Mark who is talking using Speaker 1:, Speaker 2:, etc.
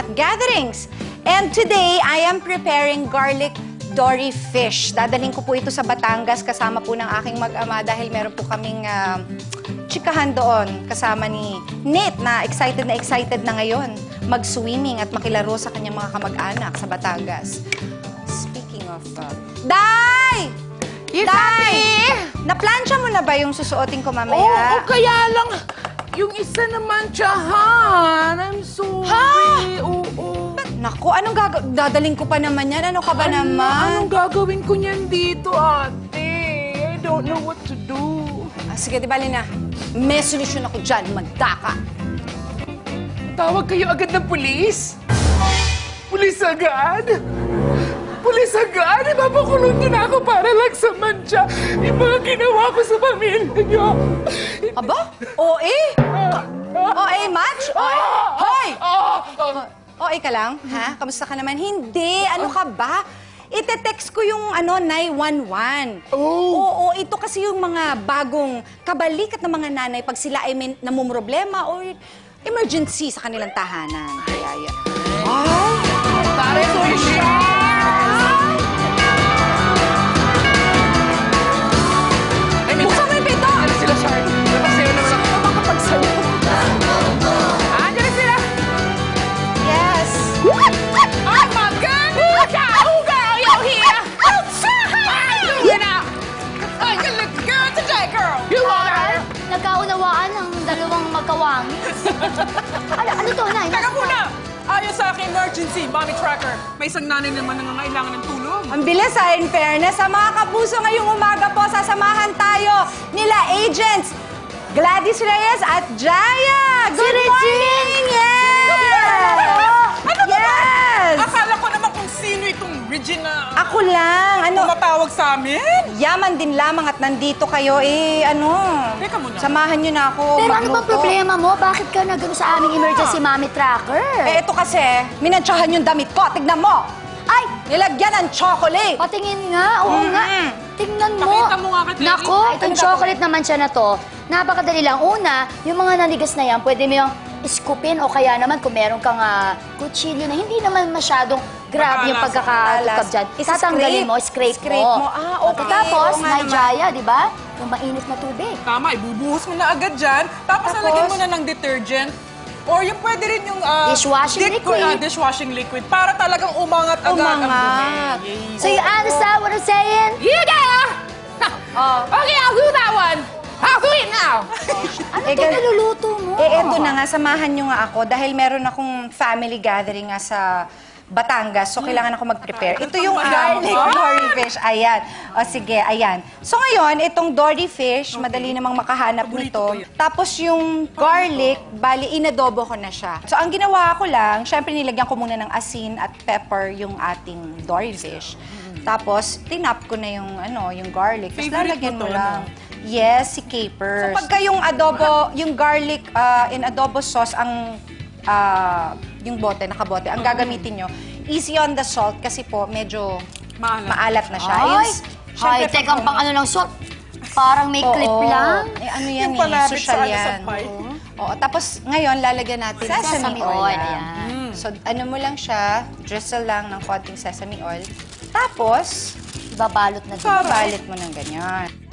Speaker 1: gatherings. And today, I am preparing garlic dory fish. Dadaling ko po ito sa Batangas kasama po ng aking mag-ama dahil meron po kaming chikahan doon kasama ni Nate na excited na ngayon mag-swimming at makilaro sa kanyang mga kamag-anak sa Batangas. Speaking of... Day!
Speaker 2: Yes,
Speaker 1: Day! Naplansya mo na ba yung susuotin ko mamaya?
Speaker 2: Oo, kaya lang yung isa naman, tsahan. I'm sorry. Oo.
Speaker 1: Naku, anong dadaling ko pa naman yan? Ano ka ba naman?
Speaker 2: Anong gagawin ko niyan dito, ate? I don't know what to do.
Speaker 1: Sige, di bali na. May solusyon ako dyan. Magdaka.
Speaker 2: Tawag kayo agad ng pulis? Pulis agad? Pulis agad? Ipapakulong niyo na ako para lang sa mantsa. Yung mga ginawa ko sa pamilya niyo.
Speaker 1: Aba? OA? OA match? OA? Hoy! OA ka lang? Ha? Kamusta ka naman? Hindi. Ano ka ba? Ite-text ko yung 911. Oo, ito kasi yung mga bagong kabalikat ng mga nanay pag sila ay may namumroblema o emergency sa kanilang tahanan. Kaya yan. Ay!
Speaker 2: Tare, solusyon!
Speaker 1: Buksan mo yung pinto!
Speaker 2: Ano sila, Shar? Napagsayo naman ako.
Speaker 1: Makapagsayo.
Speaker 2: Andiyan na sila!
Speaker 1: Yes!
Speaker 2: Oh my goodness! Oh, girl, you're here! You know, oh, you look good today, girl! You want her?
Speaker 3: Nagkaunawaan ang dalawang magkawangis. ano to, Nay?
Speaker 4: Teka muna! Ayon sa aking emergency, Mommy Tracker, may isang nanay naman na nangangailangan ng tulong.
Speaker 1: Ang bilis in fairness. Sa mga kapuso ngayong umaga po, sasamahan tayo nila agents Gladys Reyes at Jaya. Good morning! Yes!
Speaker 4: Ano ba?
Speaker 1: Yes!
Speaker 4: Akala ko naman kung sino itong Regina.
Speaker 1: Ako lang.
Speaker 4: Tumatawag sa amin?
Speaker 1: Yaman din lamang at nandito kayo.
Speaker 4: Teka muna.
Speaker 1: Samahan nyo na ako.
Speaker 3: Pero ano
Speaker 1: magluto.
Speaker 3: ba problema mo? Bakit ka nagano sa aming emergency mommy tracker?
Speaker 1: Ito kasi, minantsahan yung damit ko. Tignan mo.
Speaker 3: Ay!
Speaker 1: Nilagyan ng chocolate.
Speaker 3: Patingin nga. Oo nga. Tingnan mo.
Speaker 4: Pakita mo nga kay Terry.
Speaker 3: Nako, itong chocolate naman siya na to. Napakadali lang. Una, yung mga nanigas na yan, pwede mo yung iskupin o kaya naman kung meron kang kutsilyo na hindi naman masyadong grabe yung pagkakatukab dyan. Tatanggalin mo, scrape mo.
Speaker 1: Okay.
Speaker 3: Tapos,
Speaker 1: Oo nga
Speaker 3: may
Speaker 1: naman.
Speaker 3: Jaya, di ba? Yung mainit na tubig.
Speaker 4: Tama, ibubuhos mo na agad dyan. Tapos lalagyan mo na ng detergent. Or yung pwede rin yung...
Speaker 3: Dishwashing liquid.
Speaker 4: Dishwashing liquid. Para talagang umangat agad ang
Speaker 1: Umangat.
Speaker 4: dumi.
Speaker 3: So you understand what I'm saying?
Speaker 2: You there! Okay, I'll do that one. I'll do it now.
Speaker 3: Ano ito niluluto mo?
Speaker 1: Eto na nga, samahan nyo nga ako dahil meron akong family gathering nga sa Batangas. So, kailangan ako mag-prepare. Ito yung garlic dory fish. Ayan. O sige, ayan. So, ngayon, itong dory fish, madali namang makahanap nito. Tapos yung garlic, bali, inadobo ko na siya. So, ang ginawa ko lang, syempre nilagyan ko muna ng asin at pepper yung ating dory fish. Tapos, tinap ko na yung garlic. Tapos,
Speaker 4: Favorite
Speaker 1: lalagyan
Speaker 4: mo
Speaker 1: mo
Speaker 4: to,
Speaker 1: lang. Yes, si capers. So, pagka yung adobo, yung garlic in adobo sauce, yung bote, nakabote, ang gagamitin nyo, easy on the salt kasi po medyo maalat na siya.
Speaker 3: Ay, high-tech ang pang ano ng salt. Parang may clip lang.
Speaker 1: Ano yan
Speaker 4: Yung panabit
Speaker 1: social
Speaker 4: sa
Speaker 1: yan.
Speaker 4: pie.
Speaker 1: Oo, tapos ngayon lalagyan natin sesame oil.
Speaker 3: Ayan.
Speaker 1: So ano mo lang siya, drizzle lang ng konting sesame oil. Tapos,
Speaker 3: Ibabalot na din.
Speaker 1: babalit mo ng ganyan.